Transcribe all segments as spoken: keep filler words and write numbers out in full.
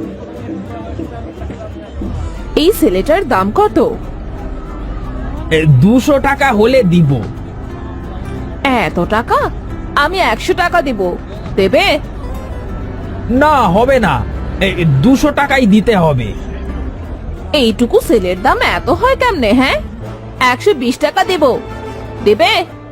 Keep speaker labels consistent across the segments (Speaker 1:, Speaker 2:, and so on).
Speaker 1: এই ছেলেটার দাম কত?
Speaker 2: দুশো টাকা হলে দিব।
Speaker 1: এত টাকা? আমি একশো টাকা দিব, দেবে?
Speaker 2: না, হবে না, দুশো টাকাই দিতে হবে।
Speaker 1: এইটুকু ছেলের দাম এত হয় কেমনে? হ্যাঁ, একশো বিশ টাকা দেব, দেবে?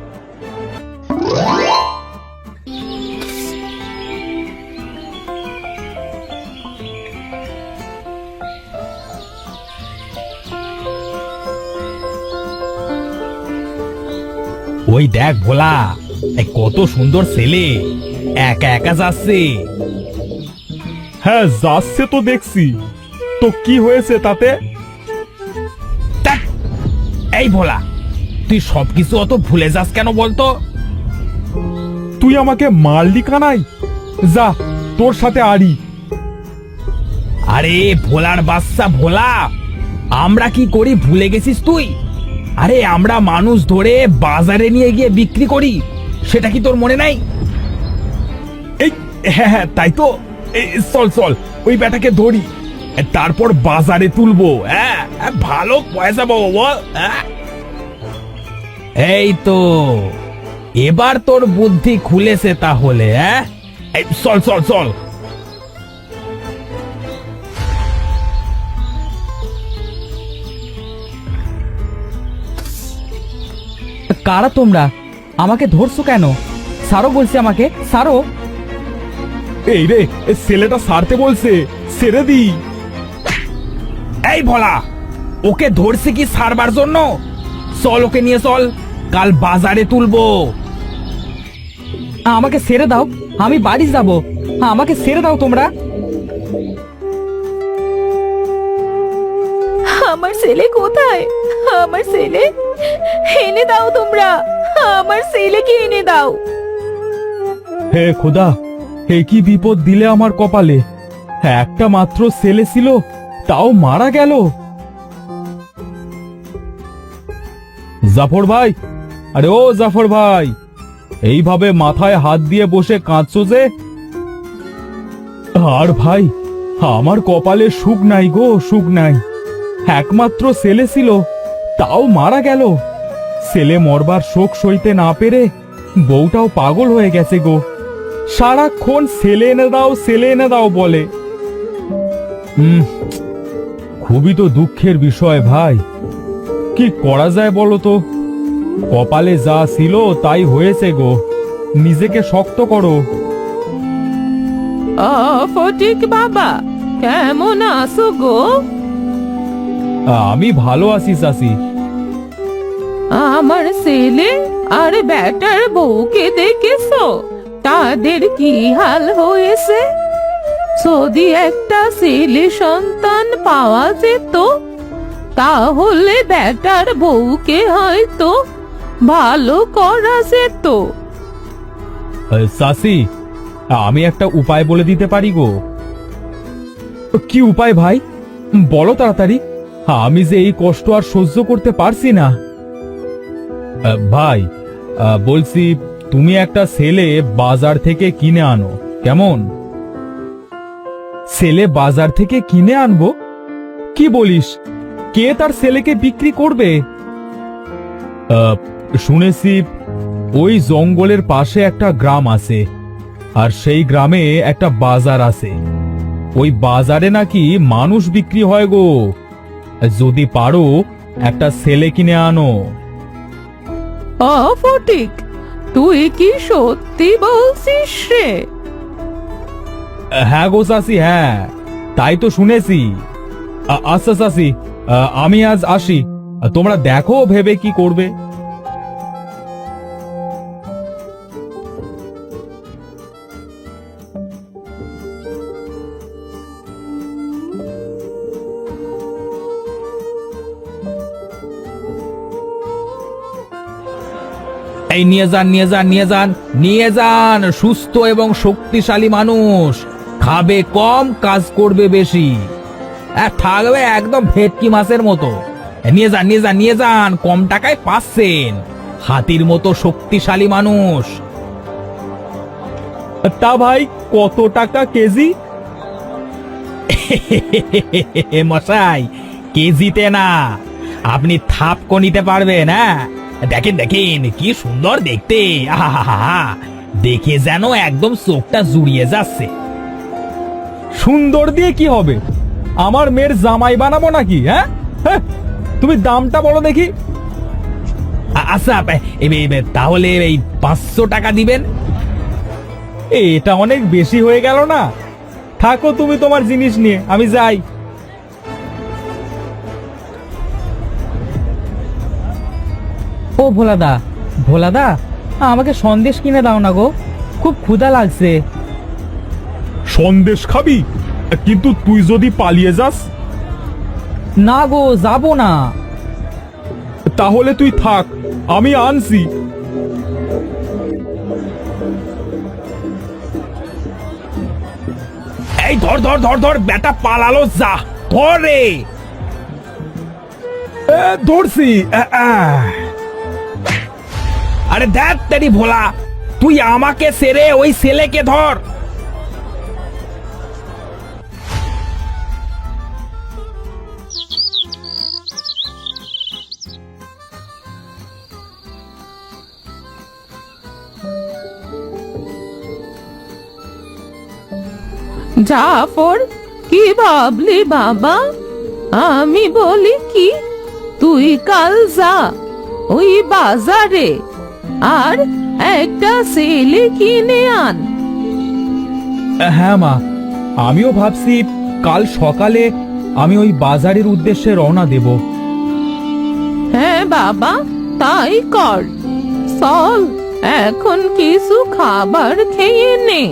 Speaker 2: ওই দেখ ভোলা, কত সুন্দর ছেলে, একা একা যাচ্ছে।
Speaker 3: হ্যাঁ, যাচ্ছে তো দেখছি, তো কি হয়েছে তাতে?
Speaker 2: ধ্যাৎ, এই ভোলা, তুই সবকিছু অত ভুলে যাস কেন বলতো?
Speaker 3: তুই আমাকে মারলি কানাই, যা তোর সাথে আড়ি।
Speaker 2: আরে ভোলার বাচ্চা ভোলা, আমরা কি করি ভুলে গেছিস তুই? আরে আমরা মানুষ ধরে বাজারে নিয়ে গিয়ে বিক্রি করি, সেটা কি তোর মনে নাই?
Speaker 3: এই হ্যাঁ হ্যাঁ, তাই তো। এই, চল চল, ওই বেটাকে ধরি, তারপর বাজারে তুলবো।
Speaker 2: হ্যাঁ, ভালো পয়সা পাবো বল। হ্যাঁ? এই তো, এবার তোর বুদ্ধি খুলেছে তাহলে। হ্যাঁ, এই, চল চল চল।
Speaker 4: কারা তোমরা? আমাকে ধরছো কেন? সারো বলছি, আমাকে সারো।
Speaker 3: এই রে, এ ছেলেটা সারতে বলছে, ছেড়ে দি।
Speaker 2: এই ভোলা, ওকে ধরছে কি সারবার জন্য? চল, ওকে নিয়ে চল, কাল বাজারে তুলবো।
Speaker 4: আমাকে ছেড়ে দাও, আমি বাড়ি যাব। আমাকে ছেড়ে দাও তোমরা।
Speaker 1: আমার ছেলে কোথায়? আমার ছেলে এনে দাও তোমরা, আমার ছেলেকে এনে দাও।
Speaker 3: হে খোদা, হে কি বিপদ দিলে আমার কপালে। একটা মাত্র ছেলে ছিল, তাও মারা গেল। জাফর ভাই, আরে ও জাফর ভাই, এইভাবে মাথায় হাত দিয়ে বসে কাঁদছো যে? আর ভাই, আমার কপালে সুখ নাই গো, সুখ নাই। একমাত্র ছেলে ছিল, তাও মারা গেল। ছেলে মরবার শোক সইতে না পেরে বউটাও পাগল হয়ে গেছে গো। সারাক্ষণ ছেলে এনে দাও, ছেলে এনে দাও বলে। হুম, খুবই তো দুঃখের বিষয় ভাই। কি করা যায় বলো তো? কপালে যা ছিল তাই হয়েছে গো, নিজেকে শক্ত করো।
Speaker 1: ও ফটিক বাবা, কেমন আছো গো?
Speaker 3: আমি ভালো আছি চাচি।
Speaker 1: আমার ছেলে আর বেটার বউকে দেখেছো? তাদের কি হাল হয়েছে? যদি একটা ছেলে সন্তান পাওয়া যেত, তাহলে বেটার বউকে হয়তো ভালো করা যেত।
Speaker 3: চাচি, আমি একটা উপায় বলে দিতে পারি গো। কি উপায় ভাই, বলো তাড়াতাড়ি। আমি যে এই কষ্ট আর সহ্য করতে পারছি না। ভাই বলছি, তুমি একটা ছেলে বাজার থেকে কিনে আনো, কেমন? ছেলে বাজার থেকে কিনে আনবো? কি বলিস? কে তার ছেলেকে বিক্রি করবে? শুনেছি ওই জঙ্গলের পাশে একটা গ্রাম আছে, আর সেই গ্রামে একটা বাজার আছে। ওই বাজারে নাকি মানুষ বিক্রি হয় গো। যদি পারো একটা ছেলে কিনে আনো।
Speaker 1: ও ফটিক, তুই কি সত্যি বলছিস রে?
Speaker 3: হ্যাঁ গো চাচি, হ্যাঁ, তাই তো শুনেছি। আ- আচ্ছা চাচি, আ, আমি আজ আসি, তোমরা দেখো ভেবে কি করবে।
Speaker 2: এই নিয়ে যান, নিয়ে যান, নিয়ে যান, নিয়ে যান। সুস্থ এবং শক্তিশালী মানুষ, খাবে কম, কাজ করবে বেশি, আর থাকবে একদম ভেটকি মাছের মতো। নিয়ে যান, নিয়ে যান, নিয়ে যান, কম টাকায় পাচ্ছেন। হাতির মতো শক্তিশালী মানুষ।
Speaker 3: তা ভাই, কত টাকা কেজি?
Speaker 2: মশাই, কেজিতে না, আপনি থাপকো নিতে পারবেন। হ্যাঁ, দেখেন দেখেন কি সুন্দর দেখতে, আহা, দেখে যেন একদম চোখটা জুড়িয়ে যাচ্ছে।
Speaker 3: সুন্দর দিয়ে কি হবে? আমার মেয়ের জামাই বানাবো নাকি? হ্যাঁ হ্যাঁ, তুমি দামটা বলো দেখি।
Speaker 2: আ- আচ্ছা, এ- এ- তাহলে এই পাঁচশো টাকা দিবেন।
Speaker 3: এ, এটা অনেক বেশি হয়ে গেল না? থাকো তুমি তোমার জিনিস নিয়ে, আমি যাই।
Speaker 4: ও ভোলাদা, ভোলাদা, আমাকে সন্দেশ কিনে দাও না গো, খুব ক্ষুধা লাগছে।
Speaker 3: সন্দেশ খাবি? কিন্তু তুই যদি পালিয়ে যাস?
Speaker 4: না গো, যাবো না।
Speaker 3: তাহলে তুই থাক, আমি আনছি।
Speaker 2: এই ধর ধর ধর ধর, বেটা পালালো, যা ধর রে।
Speaker 3: এ, ধরছি। আ, আ।
Speaker 2: আরে দেখ তেরি ভোলা, তুই আমাকে সেরে ওই ছেলেকে ধর।
Speaker 1: জাফর, কি ভাবলি বাবা? আমি বলি কি, তুই কাল যা ওই বাজারে আর একটা ছেলে কিনে আন।
Speaker 3: হ্যাঁ মা, আমিও ভাবছি কাল সকালে আমি ওই বাজারের উদ্দেশ্যে রওনা দেব।
Speaker 1: হ্যাঁ বাবা, তাই কর। চল, এখন কিছু খাবার খেয়ে নে।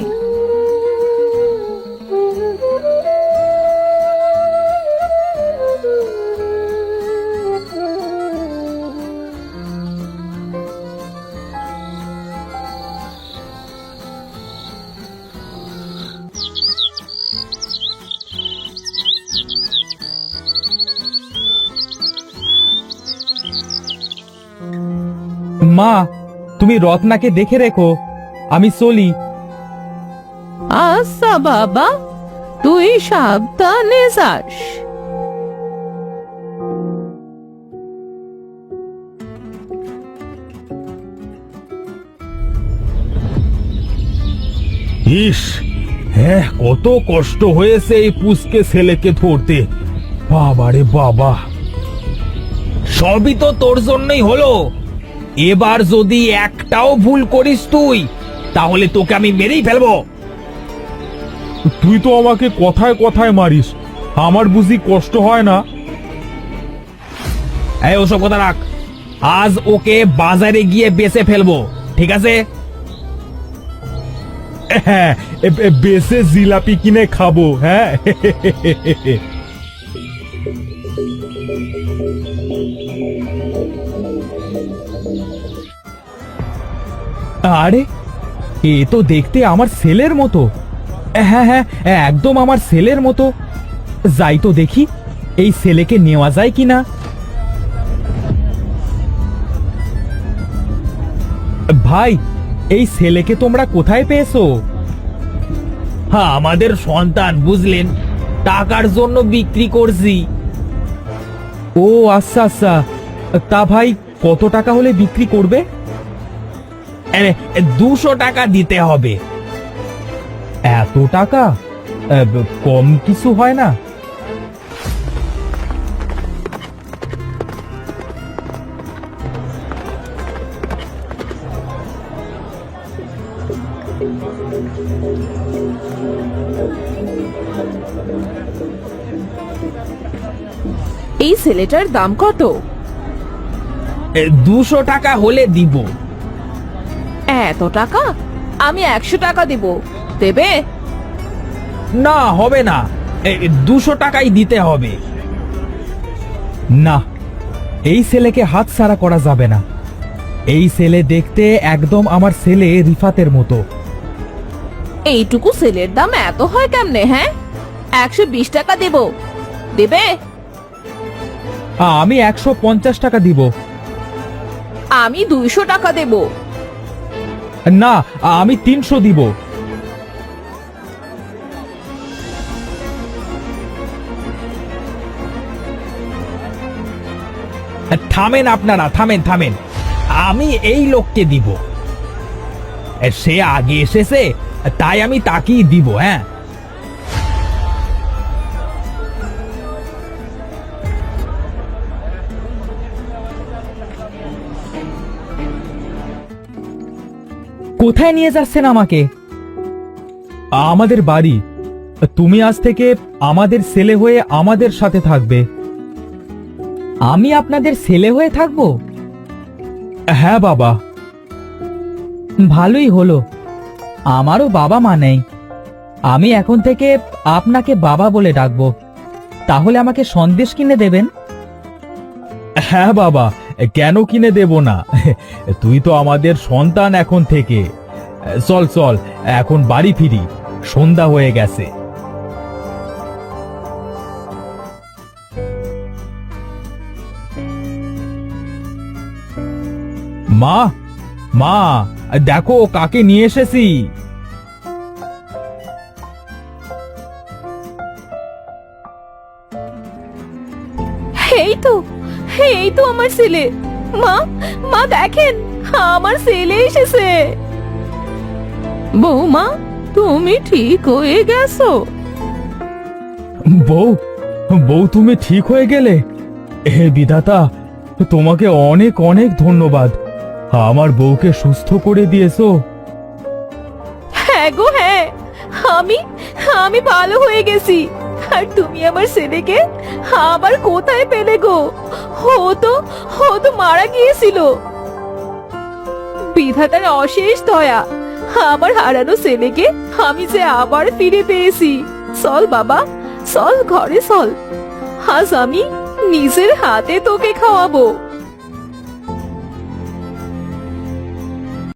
Speaker 3: মা, তুমি রত্নাকে দেখে রেখো, আমি চলি।
Speaker 1: আচ্ছা বাবা, তুই সাবধানে যাস।
Speaker 3: ইস, হ্যাঁ, কত কষ্ট হয়েছে এই পুষকে ছেলেকে ধরতে। বাবারে বাবা,
Speaker 2: সবই তো তোর জন্যই হলো। এবার যদি একটাও ভুল করিস তুই, তাহলে তোকে আমি মেরেই ফেলবো।
Speaker 3: তুই তো আমাকে কথায় কথায় মারিস, আমার বুঝি কষ্ট হয় না?
Speaker 2: এই ওসব কথা রাখ, আজ ওকে বাজারে গিয়ে বেচে ফেলবো, ঠিক আছে?
Speaker 3: হ্যাঁ, এ- এ- বেশে জিলাপি কিনে খাবো। হ্যাঁ, আরে, এ তো দেখতে আমার ছেলের মতো। হ্যাঁ হ্যাঁ, একদম আমার ছেলের মতো। যাই তো দেখি এই ছেলেকে নেওয়া যায় কিনা। ভাই, এই ছেলেকে তোমরা কোথায় পেয়েছো?
Speaker 2: হ্যাঁ, আমাদের সন্তান, বুঝলেন, টাকার জন্য বিক্রি করছি।
Speaker 3: ও আচ্ছা আচ্ছা, তা ভাই কত টাকা হলে বিক্রি করবে?
Speaker 2: দুশো টাকা দিতে হবে।
Speaker 3: এত টাকা? আহ, কম কিছু হয় না?
Speaker 1: এই ছেলেটার দাম কত?
Speaker 2: দুশো টাকা হলে দিব।
Speaker 1: এত টাকা? আমি একশো টাকা দিব, দেবে?
Speaker 2: না, হবে না, দুশো টাকাই দিতে হবে।
Speaker 3: না, এই ছেলেকে হাতছাড়া করা যাবে না। এই ছেলে দেখতে একদম আমার ছেলে রিফাতের মতো।
Speaker 1: এইটুকু ছেলের দাম এত হয় কেমনে? হ্যাঁ, একশো বিশ টাকা দেব, দেবে?
Speaker 3: আমি একশো পঞ্চাশ টাকা দিব।
Speaker 1: আমি দুইশো টাকা দেব।
Speaker 3: না, আমি তিনশো দিব।
Speaker 2: থামেন আপনারা, থামেন থামেন। আমি এই লোককে দিব। সে আগে এসেছে, তাই আমি তাকেই দিব। হ্যাঁ,
Speaker 4: কোথায় নিয়ে যাচ্ছেন আমাকে?
Speaker 3: আমাদের বাড়ি। তুমি আজ থেকে আমাদের ছেলে হয়ে আমাদের সাথে থাকবে।
Speaker 4: আমি আপনাদের ছেলে হয়ে থাকবো?
Speaker 3: হ্যাঁ বাবা।
Speaker 4: ভালোই হলো, আমারও বাবা মা নেই। আমি এখন থেকে আপনাকে বাবা বলে ডাকবো। তাহলে আমাকে সন্দেশ কিনে দেবেন?
Speaker 3: হ্যাঁ বাবা, কেন কিনে দেব না? তুই তো আমাদের সন্তান এখন থেকে। চল চল, এখন বাড়ি ফিরি, সন্ধ্যা হয়ে গেছে। মা, মা, দেখো কাকে নিয়ে এসেছি।
Speaker 1: এই তো, এই তো আমার ছেলে। মা, মা দেখেন, আমার ছেলে এসেছে। বৌমা, তুমি ঠিক হয়ে গেছো?
Speaker 3: বউ, বউ তুমি ঠিক হয়ে গেলে? হে বিধাতা, তোমাকে অনেক অনেক ধন্যবাদ। আমার বউকে সুস্থ করে দিয়েছো।
Speaker 1: হ্যাঁ গো হ্যাঁ, আমি আমি ভালো হয়ে গেছি। আর তুমি আমার ছেলেকে আবার কোথায় পেলে গো? ও তো ও তো মারা গিয়েছিল। বিধাতার অশেষ দয়া, আমার হারানো ছেলেকে আমি যে আবার ফিরে পেয়েছি। চল বাবা, চল ঘরে চল। আজ আমি নিজের হাতে তোকে খাওয়াবো।